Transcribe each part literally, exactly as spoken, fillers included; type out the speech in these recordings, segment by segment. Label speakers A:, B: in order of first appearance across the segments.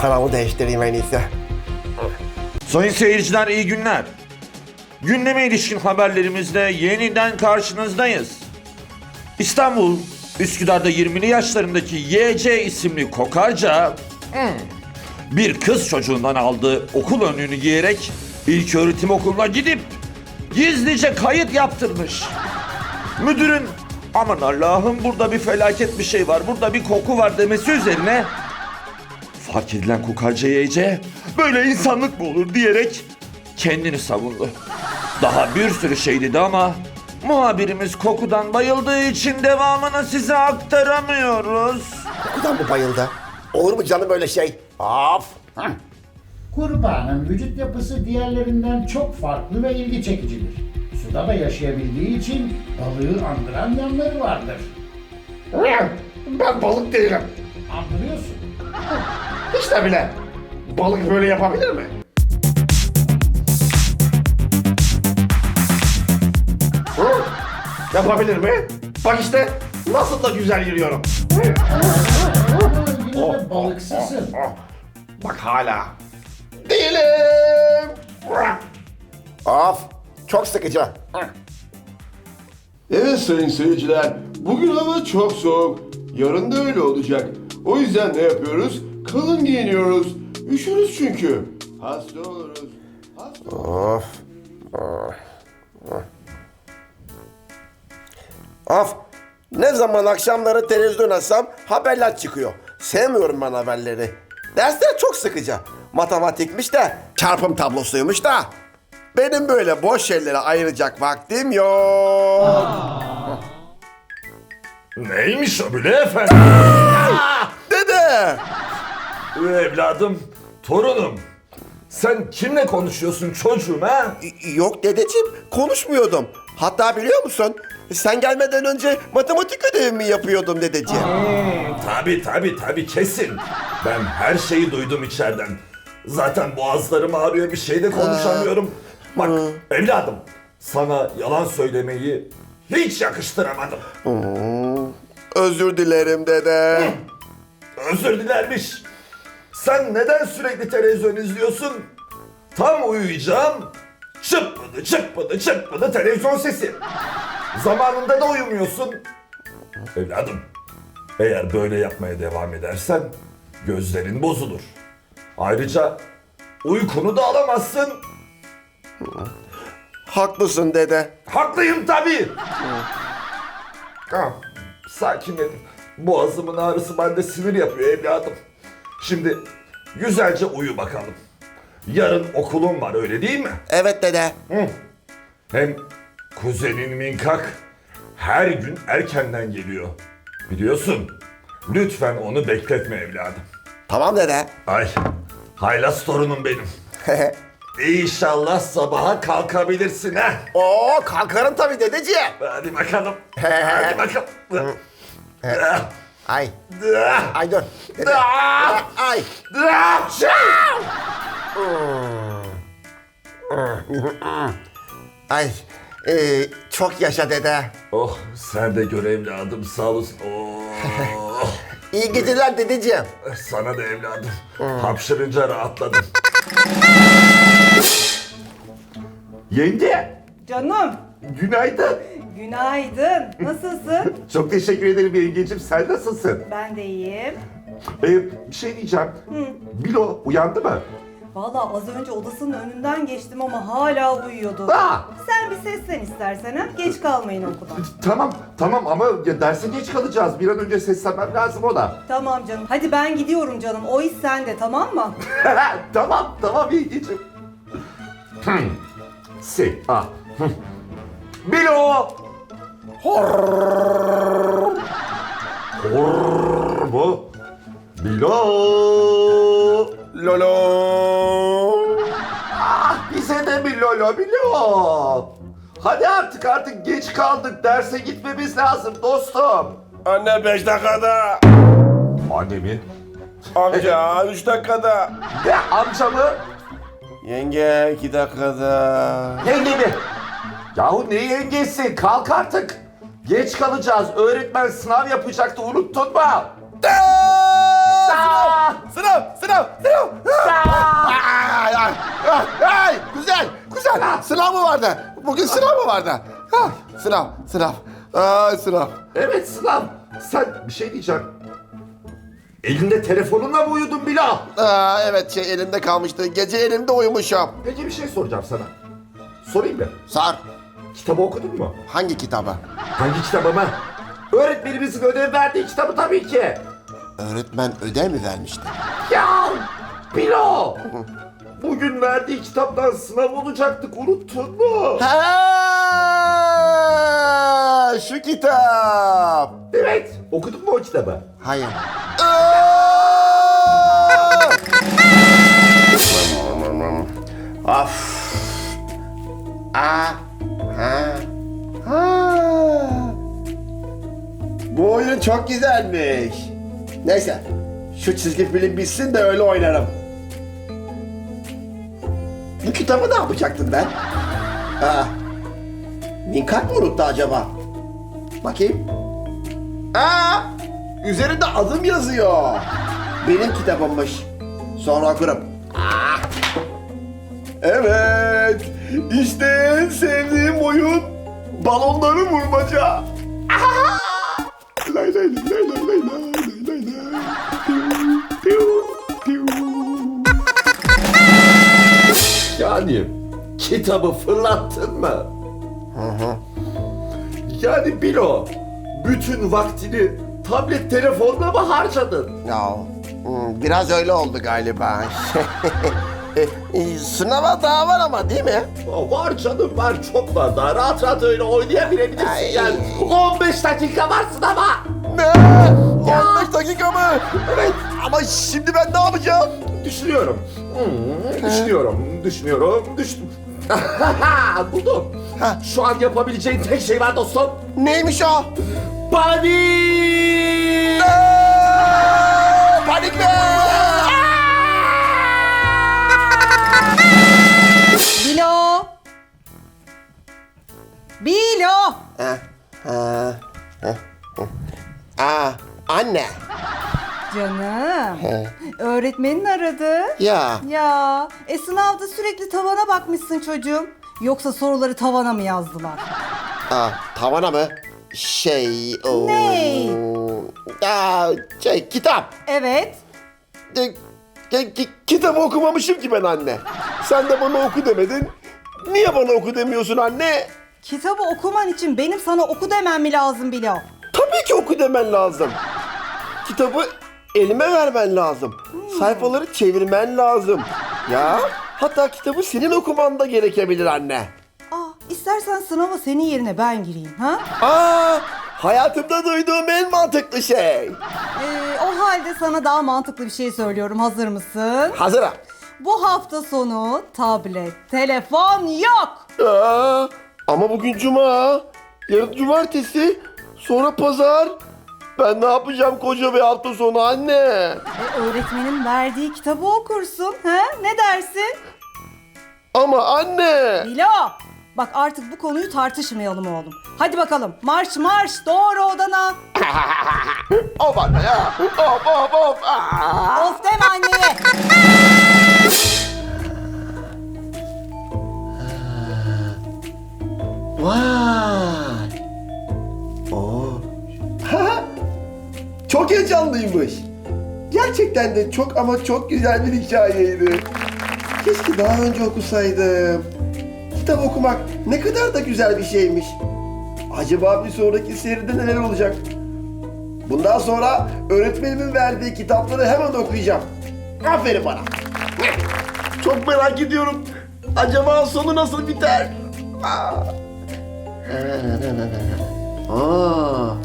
A: kanalımı değiştireyim en iyisi.
B: Sayın seyirciler iyi günler. Gündeme ilişkin haberlerimizle yeniden karşınızdayız. İstanbul, Üsküdar'da yirmili yaşlarındaki Y C isimli kokarca hmm, bir kız çocuğundan aldığı okul önlüğünü giyerek ilköğretim okuluna gidip gizlice kayıt yaptırmış. Müdürün aman Allah'ım burada bir felaket bir şey var, burada bir koku var demesi üzerine fark edilen kokarca Y C böyle insanlık mı olur diyerek kendini savundu. Daha bir sürü şey dedi ama muhabirimiz kokudan bayıldığı için devamını size aktaramıyoruz.
A: Kokudan mı bayıldı? Olur mu canım öyle şey? Of!
C: Kurbağanın vücut yapısı diğerlerinden çok farklı ve ilgi çekicidir. Suda da yaşayabildiği için balığı andıran yanları vardır.
D: Ben balık değilim.
C: Andırıyorsun.
D: Hiç de bile. Balık böyle yapabilir mi? Hı? Yapabilir mi? Bak işte nasıl da güzel yürüyorum.
C: Ama yine de balıksızsın.
D: Oh, bak hala. Değilim.
A: Of! Çok sıkıcı.
E: Evet sayın seyirciler, bugün hava çok soğuk. Yarın da öyle olacak. O yüzden ne yapıyoruz? Kalın giyiniyoruz. Üşürüz çünkü. Hasta oluruz. Hasta
A: Of! Of! Ne zaman akşamları televizyon açsam haberler çıkıyor. Sevmiyorum ben haberleri. Dersler çok sıkıcı. Matematikmiş de, çarpım tablosuymuş da. Benim böyle boş şeylere ayıracak vaktim yok.
B: Neymiş o bile efendim?
A: Dede!
B: Evladım, torunum. Sen kimle konuşuyorsun çocuğum ha?
A: Yok dedeciğim, konuşmuyordum. Hatta biliyor musun? Sen gelmeden önce matematik ödevimi yapıyordum dedeciğim.
B: Hmm, tabii tabii tabii kesin. Ben her şeyi duydum içeriden. Zaten boğazlarım ağrıyor, bir şey de konuşamıyorum. Bak evladım, sana yalan söylemeyi hiç yakıştıramadım.
A: Özür dilerim dede.
B: Özür dilermiş. Sen neden sürekli televizyon izliyorsun? Tam uyuyacağım. Çıppıdı çıppıdı çıppıdı televizyon sesi. Zamanında da uyumuyorsun. Evladım, eğer böyle yapmaya devam edersen gözlerin bozulur. Ayrıca uykunu da alamazsın.
A: Haklısın dede.
B: Haklıyım tabii. Tamam, sakinledim. Boğazımın ağrısı bende sinir yapıyor evladım. Şimdi güzelce uyu bakalım. Yarın okulun var öyle değil mi?
A: Evet dede.
B: Hı. Hem kuzenin Minkak her gün erkenden geliyor. Biliyorsun. Lütfen onu bekletme evladım.
A: Tamam dede.
B: Ay, haylaz torunum benim. İnşallah sabaha kalkabilirsin ha.
A: Oo kalkarım tabii dedeciğim.
B: Hadi bakalım. Hadi bakalım.
A: Ay. Ay dur. Dede. Ay. Ay. Ee, çok yaşa dede.
B: Oh, sen de gör evladım, sağ olasın. Oh.
A: İyi geceler dedeciğim.
B: Sana da evladım. Hapşırınca rahatladım. Yenge,
F: Canım,
B: günaydın.
F: günaydın. Nasılsın?
B: Çok teşekkür ederim yengeciğim. Sen nasılsın?
F: Ben de iyiyim.
B: Ee, bir şey diyeceğim. Bilo uyandı mı?
F: Vallahi az önce odasının önünden geçtim ama hala uyuyordu.
B: Aa!
F: Sen bir seslen istersen ha. Geç kalmayın okuldan.
B: Tamam, tamam ama ya derse geç kalacağız. Bir an önce seslenmem lazım ona.
F: Tamam canım. Hadi ben gidiyorum canım. O iş sende, tamam mı?
B: Tamam, tamam yengeciğim. Hmm. Si, ah. Hmm. Bilo! Horrrr. Horrrr mu? Bilo!
A: Lolo.
B: Ah, bize de bir lolo Bilo! Hadi artık artık geç kaldık. Derse gitmemiz lazım dostum.
E: Anne beş dakikada.
B: Anne mi?
E: Amca üç dakikada.
B: Ne amcamı?
E: Yenge iki dakikada.
B: Yenge mi? Yahu ne yengesi? Kalk artık. Geç kalacağız. Öğretmen sınav yapacaktı. Unuttun mu? Aa!
A: Sınav, sınav, sınav. Ay, ay, ay, ay, güzel, güzel. Sınav mı vardı? Bugün sınav mı vardı? Ha, sınav, sınav. Ay, sınav.
B: Evet sınav. Sen bir şey diyeceğim. Elinde telefonunla mı uyudun Bilal?
A: Aa, evet, şey elimde kalmıştı. Gece elimde uyumuşum.
B: Peki bir şey soracağım sana. Sorayım mı?
A: Sar,
B: Kitabı okudun mu?
A: hangi kitabı?
B: Hangi kitabı mı? Öğretmenimizin ödev verdiği kitabı tabii ki.
A: Öğretmen ödev mi vermişti?
B: Ya Bilo! Bugün verdiği kitaptan sınav olacaktık, unuttun mu?
A: Ha, şu kitap.
B: Evet, okudun mu o kitabı?
A: Hayır. Of. Aa. Ha. Ha. Bu oyun çok güzelmiş. Neyse. Şu çizgi film bitsin de öyle oynarım. Bu kitabı ne yapacaktım ben? Aa. Minkat mı unuttu acaba? Bakayım. Aa, üzerinde adım yazıyor. Benim kitabımmış. Sonra okurum. Ah. Evet, işte en sevdiğim oyun balonları vurmaca. Ah. Lay lay lay lay lay lay lay lay lay. Piu, piu, piu.
B: Yani kitabı fırlattın mı? Yani Bilo, bütün vaktini tablet telefonla mı harcadın?
A: Ya, hmm, biraz öyle oldu galiba. E, e, Sınava daha var ama değil mi?
B: Aa, var canım var, çok var, daha rahat rahat öyle oynayabilebilirsin
A: Ay.
B: yani. on beş dakika varsın ama.
A: Ne? on beş dakika mı? Evet. Ama şimdi ben ne yapacağım?
B: Düşünüyorum. Hmm, düşünüyorum, düşünüyorum, düştüm. Buldum.
A: Ha.
B: Şu an yapabileceğin tek şey var dostum.
A: Neymiş o?
B: Panik!
A: Aa, panik mi?
F: Bilo! Bilo!
A: Ha, ha, ha, ha. Aa, anne.
F: Canım. Öğretmenin aradı.
A: Ya.
F: Ya, e sınavda sürekli tavana bakmışsın çocuğum. Yoksa soruları tavana mı yazdılar?
A: Aa, tavana mı? Şey... O...
F: Ne?
A: Aa, şey, kitap.
F: Evet.
A: E, ki- ki- kitabı okumamışım ki ben anne. Sen de bana oku demedin. Niye bana oku demiyorsun anne?
F: Kitabı okuman için benim sana oku demem mi lazım Bilo?
A: Tabii ki oku demen lazım. Kitabı elime vermen lazım. Sayfaları çevirmen lazım. Ya, hatta kitabı senin okuman da gerekebilir anne.
F: Aa, istersen sınava senin yerine ben gireyim ha?
A: Aa, hayatımda duyduğum en mantıklı şey.
F: Ee, o halde sana daha mantıklı bir şey söylüyorum. Hazır mısın?
A: Hazırım.
F: Bu hafta sonu tablet, telefon yok.
A: Aa, ama bugün cuma, yarın cumartesi, sonra pazar. Ben ne yapacağım koca bir hafta sonu anne?
F: E, öğretmenin verdiği kitabı okursun. Ha? Ne dersin?
A: Ama anne.
F: Bilo, bak artık bu konuyu tartışmayalım oğlum. Hadi bakalım marş marş doğru odana.
A: Of anne ya. Of of of. Aa.
F: Of deme anneye.
A: Vay. Oo. Çok heyecanlıymış. Gerçekten de çok ama çok güzel bir hikayeydi. Keşke daha önce okusaydım. Kitap okumak ne kadar da güzel bir şeymiş. Acaba bir sonraki seride neler olacak? Bundan sonra öğretmenimin verdiği kitapları hemen okuyacağım. Aferin bana. Çok merak ediyorum. Acaba sonu nasıl biter? Aa. Aa.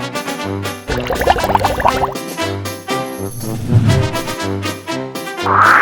A: Aa.